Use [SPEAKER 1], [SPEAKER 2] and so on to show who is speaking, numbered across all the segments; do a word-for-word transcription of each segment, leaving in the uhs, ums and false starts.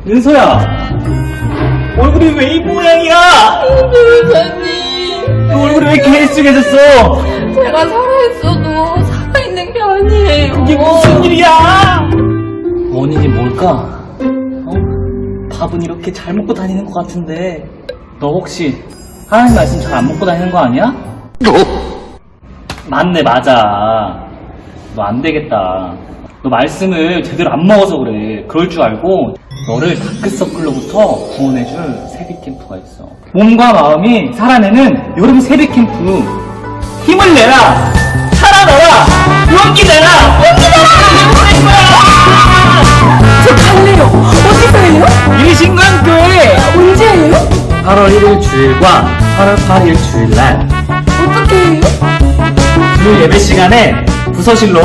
[SPEAKER 1] 은서야, 얼굴이 왜 이 모양이야?
[SPEAKER 2] 변호사님,
[SPEAKER 1] 너 얼굴이 왜 이렇게 헬쑥해졌어?
[SPEAKER 2] 제가 살아있어도 살아있는 게 아니에요.
[SPEAKER 1] 이게 무슨 일이야? 원인이 뭘까? 어? 밥은 이렇게 잘 먹고 다니는 것 같은데 너 혹시 하나님 말씀 잘 안 먹고 다니는 거 아니야? 맞네, 맞아. 너 안 되겠다. 너 말씀을 제대로 안 먹어서 그래. 그럴 줄 알고 너를 다크서클로부터 구원해줄 세빛 캠프가 있어. 몸과 마음이 살아내는 여름 세빛 캠프. 힘을 내라! 살아나라! 용기 내라! 용기 내라!
[SPEAKER 2] 저 갈래요. 어디서 해요?
[SPEAKER 1] 일신강교회!
[SPEAKER 2] 언제예요?
[SPEAKER 1] 팔월 일일 주일과 팔월 팔일 주일날
[SPEAKER 2] 어떻게 해요?
[SPEAKER 1] 주일 예배 시간에 부서실로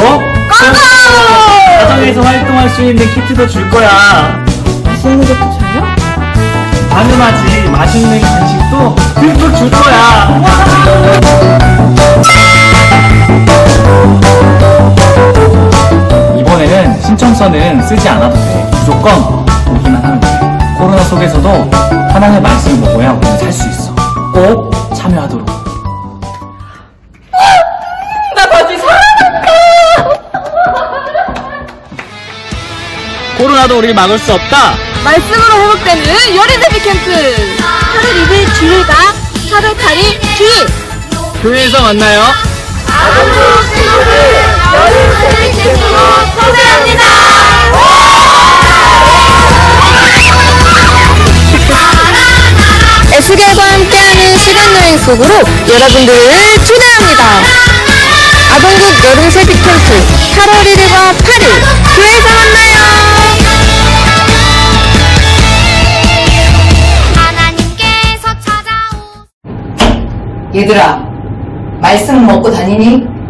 [SPEAKER 1] 가정에서 활동할 수 있는 키트도 줄 거야.
[SPEAKER 2] 맛있는 것도 줘요?
[SPEAKER 1] 당연하지. 맛있는 간식도 듬뿍 줄 거야. 이번에는 신청서는 쓰지 않아도 돼. 무조건 오기만 하면 돼. 코로나 속에서도 하나님의 말씀을 먹어야 우리는 살 수 있어. 꼭 참여하도록.
[SPEAKER 2] 나 다시 살아날까?
[SPEAKER 1] 코로나도 우리를 막을 수 없다.
[SPEAKER 2] 말씀으로 회복되는 여름세비 캠프! 팔월 이일 주일과 팔월 팔일 주일!
[SPEAKER 1] 교회에서 만나요.
[SPEAKER 2] 아동부 친구들 여름세비 캠프로 초대합니다! 에스겔과 함께하는 시간여행 속으로 여러분들을 초대합니다. 아동국 여름세비 캠프 팔월 일일과 팔일 교회에서 만나요.
[SPEAKER 3] 얘들아, 말씀 먹고 다니니?